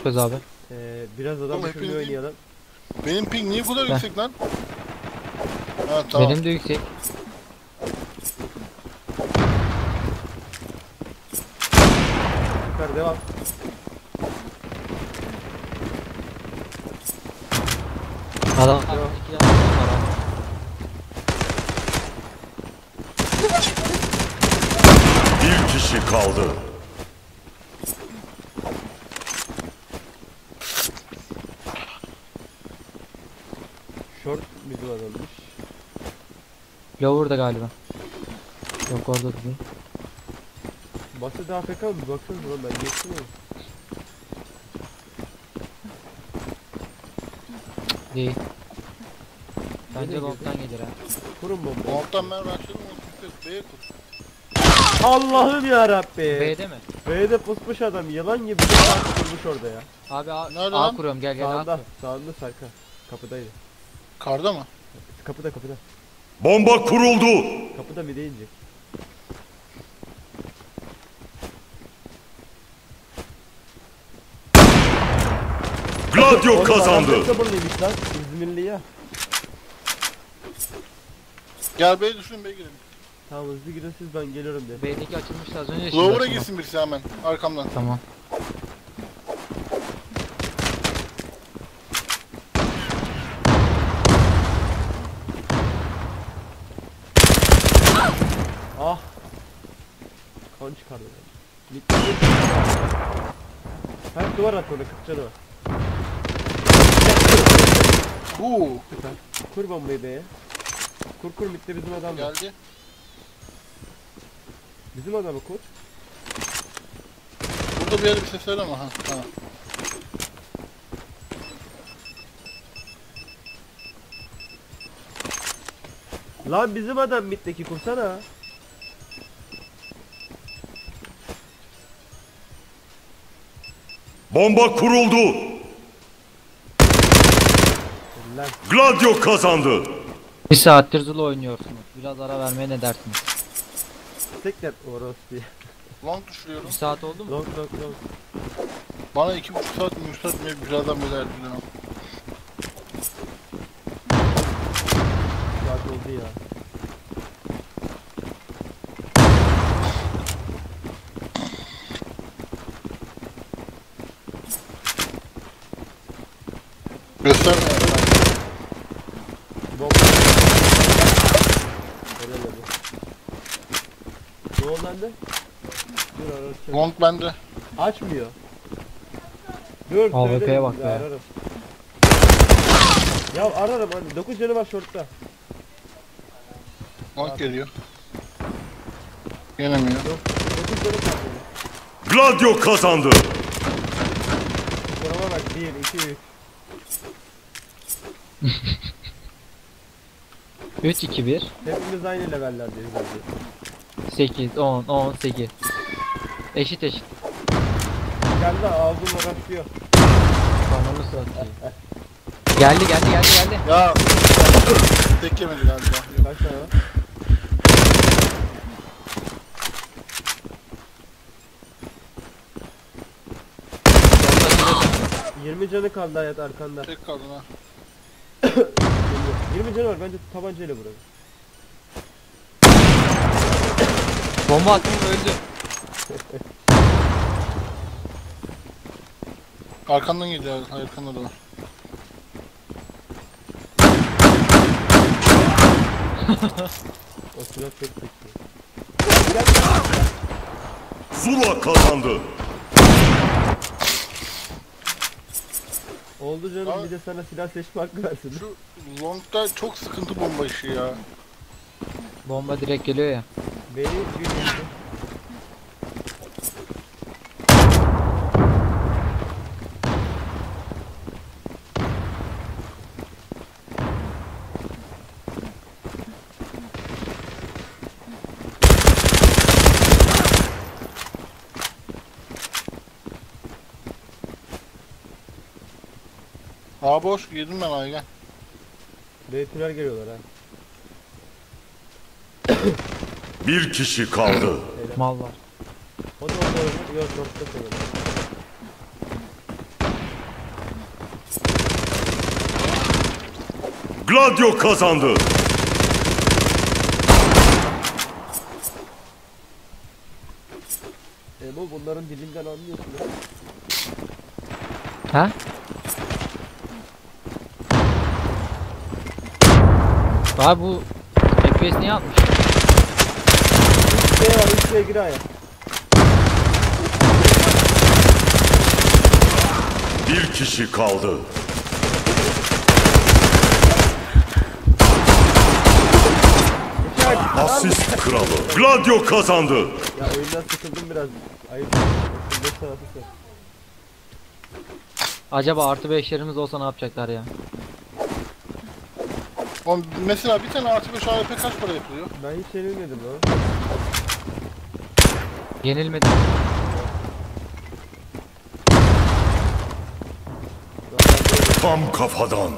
yapıyoruz abi? Biraz adam Oğlum, düşürmeyi hepiniz- oynayalım. Benim ping niye bu kadar Heh. yüksek lan? Ha tamam. Benim de yüksek. Yukarı devam. Adam Tamam. 2 tane adam var abi. Bir kişi kaldı. Short bizim adammış. Lower'da galiba. Yok orada değil. Basit AFK mı? Baksanıza lan ben geçtim oğlum. Değil. Nereye Bence girdi? long'dan gelir ha. Kurun bombayı. Alttan ben başladım. B'ye kur. Allah'ım yarabbi. B'de mi? B'de pusmuş adam. Yılan gibi bir saat kurmuş orada ya. Abi Nerede A lan? kuruyorum, gel gel A Sağında. kuruyorum. Sağında Serkan. Kapıdaydı. Karda mı? Kapıda kapıda. Bomba kuruldu. Kapıda mı deyince. Gladio kazandı. Adam sabırlıymış lan. İzmirli ya. Gel B'ye düşün B'ye girelim. Tamam hızlı gidin siz ben geliyorum de. B'deki açılmıştı az önce. şimdi Lower'a açılmaz. girsin birisi hemen. Arkamdan. Tamam. Ah. Kan çıkardı. Bitti. Her duvar at orada 40 canı var. Süper. Kur bombayı B'ye. Kur bitti bizim adam var. Geldi. Bizim adamı kur. Burada bir yerde bir ses var ama ha. Tamam. Lan bizim adam mitteki kursana. Bomba kuruldu. Lan Gladio kazandı. Bir saattir Zula oynuyorsunuz. Biraz ara vermeye ne dersiniz? tekrar oros diye. Long düşürüyorum. Bir saat oldu mu? Long. Bana 2,5 saat mi 3 saat mi birazdan böyle erdiler. Saat oldu ya. Gösterme ya. Bomba. Helal olsun. Ne oldu lan de? Dur ararım. Long bende. Açmıyor. Dur AWP'ye söyle, bak be. Ararım. Ya ararım hani 9 canı var shortta. Long geliyor. Gelemiyor. 9 canı kaldı. Gladio kazandı. Skorama bak 1 2 3. 3 2 1 Hepimiz aynı levellerdeyiz bence. 8 10 18. Eşit. Kendi ağzımla başlıyor. Kanalı satayım. Geldi. Ya. Tek yemedi galiba. Yok. Kaç tane var? Sonunda 20 canı kaldı hayat arkanda. Tek kaldın ha. 20 canı var bence tabancayla vuralım. bomba attım öldü. Arkandan geliyor. Arkanda da var. O silah çok kötü. Zula kazandı. Oldu canım Abi- bir de sana silah seçme hakkı versin. Şu long'da çok sıkıntı bomba işi ya. Bomba direkt geliyor ya. Beni yürüyorsun. Aa boş girdim ben Aygen. B tünel geliyorlar ha. Bir kişi kaldı. Mal var. O da orada oynuyor. Yok shortta sanırım. Gladio kazandı. Emo bunların dilinden anlıyorsun ha. Ha? Abi bu FPS niye atmış? Şey var, içine gir aya. Bir kişi kaldı. Asist kralı. Gladio kazandı. Ya oyundan sıkıldım biraz. Ayıp. Ne sanatı sen? Acaba artı 5'lerimiz olsa ne yapacaklar ya? Oğlum mesela bir tane artı 5 AWP kaç para yapılıyor? Ben hiç yenilmedim lan. Yenilmedi. Tam kafadan.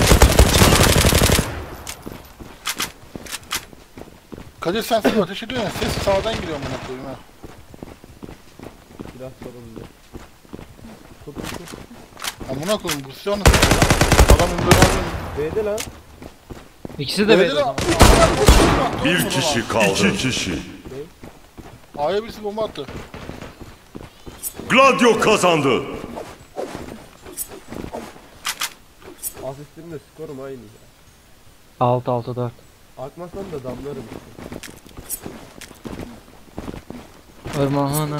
Kadir sen ateş ediyorsun ya, ses sağdan giriyor amına koyayım ha. Biraz sorumlu. Tut tut tut. Amına koyayım bu silah nasıl? Adam böyle alıyor. B'de lan. İkisi de Böyle belli. Bir kişi kaldı. İki kişi. A'ya birisi bomba attı. Gladio kazandı. Asistimle skorum aynı ya. 6-6-4. Akmasam da damlarım işte. Irmağına.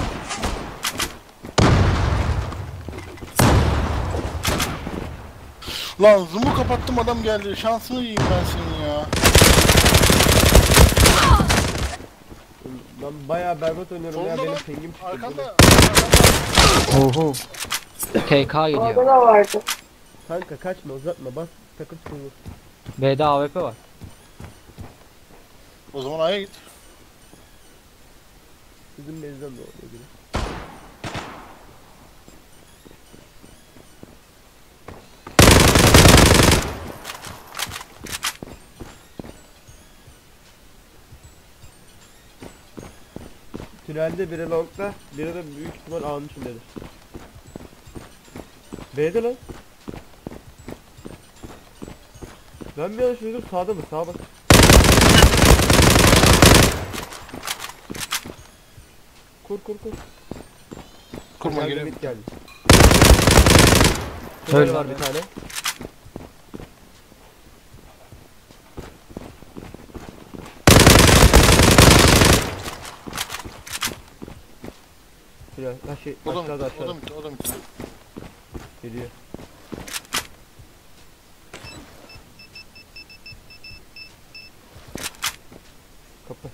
Lan zoom'u kapattım adam geldi. Şansını yiyeyim ben senin ya. Ben bayağı berbat oynuyorum ya, Solunda benim lan. pingim çıktı. Arkanda. Oho. TK Orada gidiyor. da vardı. Kanka kaçma, uzatma, bas takım vur. B'de AWP var. O zaman A'ya git. Bizim bezden de oluyor gibi. Tünelde biri longda, biri de büyük ihtimal A'nın içindedir. B'de lan. Ben bir yanlış duydum, sağda mı? Sağa bak. Kur kur kur. Kurma Geldi, geliyor. mid geldi. Öl Tünel var var bir tane. Tünel, ha şey, O da aşağıda mı? O aşağıda. da mı? O da mı? Geliyor. Kapı.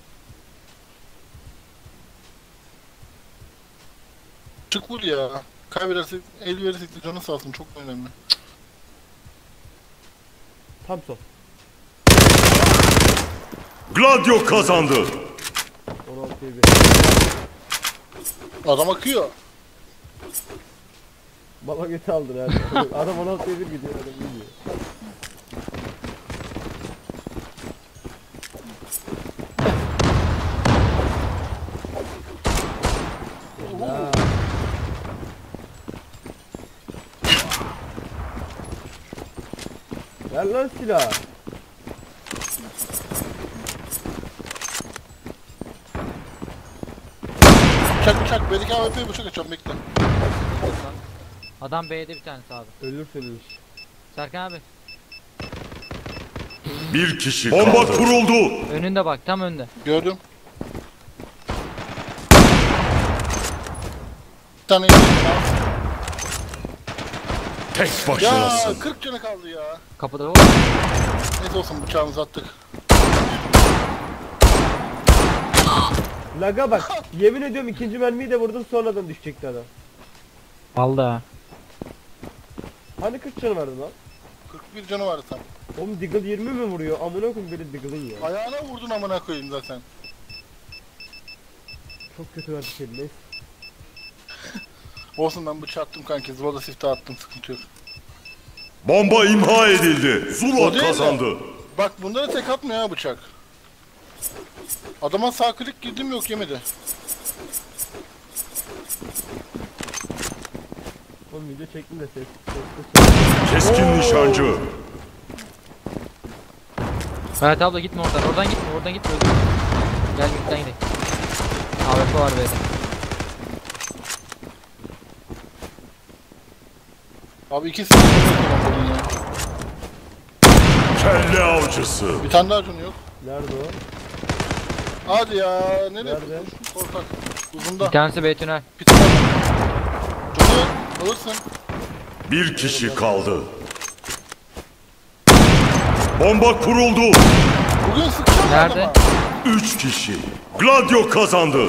Çık vur ya. Kaybedersek, el verirsek de canı sağ olsun. Çok önemli. Tam sol. Gladio kazandı. 16'ya 1. Adam akıyor. Baba götü aldın abi. Adam 16'ya 1 gidiyor, adam gidiyor. Ya. Ver lan silah. Bıçak bıçak. Belki AWP'ye bıçak açacağım bekle. Adam B'de bir tanesi abi. Ölürsünüz. Serkan abi. Bir kişi kaldı. Bomba kuruldu. Önünde bak, tam önde. Gördüm. Bir tane yedim. Tek Ya başınasın. 40 canı kaldı ya. Kapıda o. Neyse olsun bıçağımızı attık. Laga bak. Yemin ediyorum ikinci mermiyi de vurdum, sonradan düşecekti adam. Aldı ha. Hani 40 canı vardı lan? 41 canı vardı tam. Oğlum Deagle 20 mi vuruyor? Amına koyayım böyle Deagle'ın ya. Ayağına vurdun amına koyayım zaten. Çok kötü verdi şey, neyse. Olsun ben bıçağı attım kanki. Zıvada sifte attım, sıkıntı yok. Bomba imha edildi. O Zula değil de- kazandı. Bak bunlara tek atmıyor ha bıçak. Adama sağ klik girdim yok yemedi. Oğlum video çektim de ses. Keskin nişancı. Hayat abla gitme oradan. Oradan gitme. Oradan gitme. Öldür. Gel midden gidelim. AWP var B'de. Abi ikisi de bombanın ya. Kelle avcısı. Bir tane daha canı yok. Nerede o? Hadi ya. Nereye? Nerede? Korkak. Uzunda. Bir tanesi B tünel. Bitti. Canı yok. Alırsın. Bir kişi kaldı. Bomba kuruldu. Bugün sıkacağım Nerede? adama. 3 kişi. Gladio kazandı.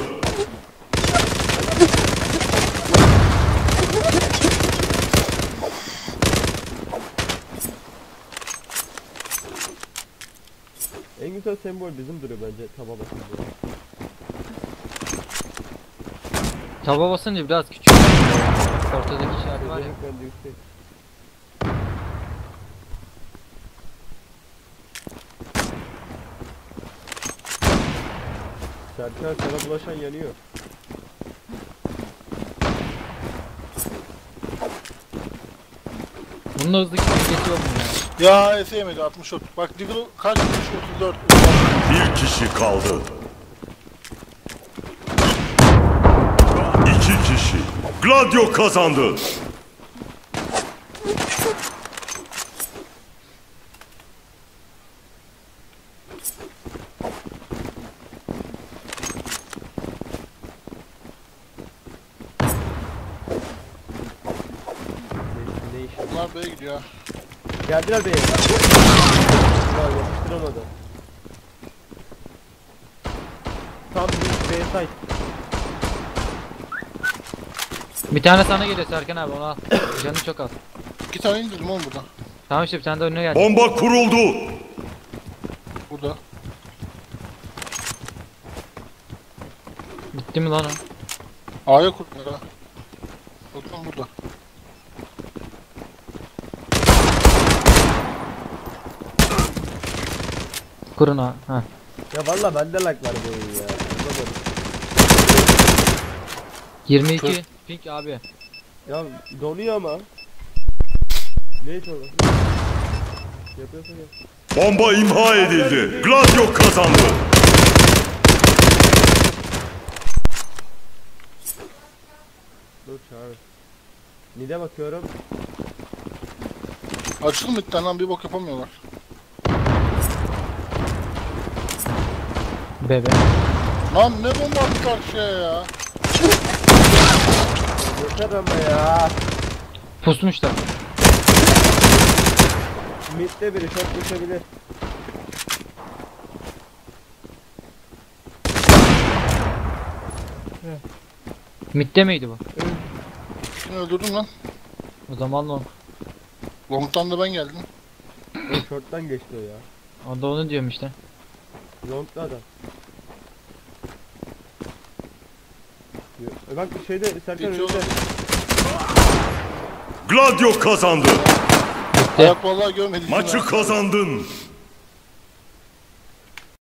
En güzel sembol bizim duruyor bence taba basınca. Taba basınca biraz küçük. Ortadaki işaret var ya. Özellik bende yüksek. Serkan sana bulaşan yanıyor. Bunun da hızlı gitmesi yok mu ya? Ya Efe yemedi 64. Bak Diggle kaç vurmuş 34. Bir kişi kaldı. 2 kişi. Gladio kazandı. Ne iş? Bunlar B'ye gidiyor. Geldiler beye. Ya yapıştıramadı. Tam bir B site. Bir tane sana geliyor Serkan abi, onu al. Canı çok az. 2 tane indirdim oğlum burada. Tamam işte bir tane de önüne geldi. Bomba kuruldu. Burada. Bitti mi lan o? A'ya kurdular ha. Bakın burada. Kurun ha. Ha. Ya valla bende lag var bu oyun ya. Anlamadım. 22 pink abi. Ya donuyor ama. Neyse oğlum. Yapıyorsun ya. Bomba imha edildi. Gladio kazandı. Dur çağır. Nide bakıyorum. Açılın bir tane lan bir bok yapamıyorlar. Bebe. Lan ne bomba attı karşıya ya. Yeter ama ya. Pusmuşlar. Mid'de biri çok düşebilir. Mid'de miydi bu? Şunu öldürdüm lan. O zaman long. Long'tan da ben geldim. O short'tan geçti o ya. O da onu diyorum işte. Long'da adam. Bak şeyde Serkan Geçiyor. önünde. Gladio kazandı. Ayak vallahi görmedim. Maçı kazandın.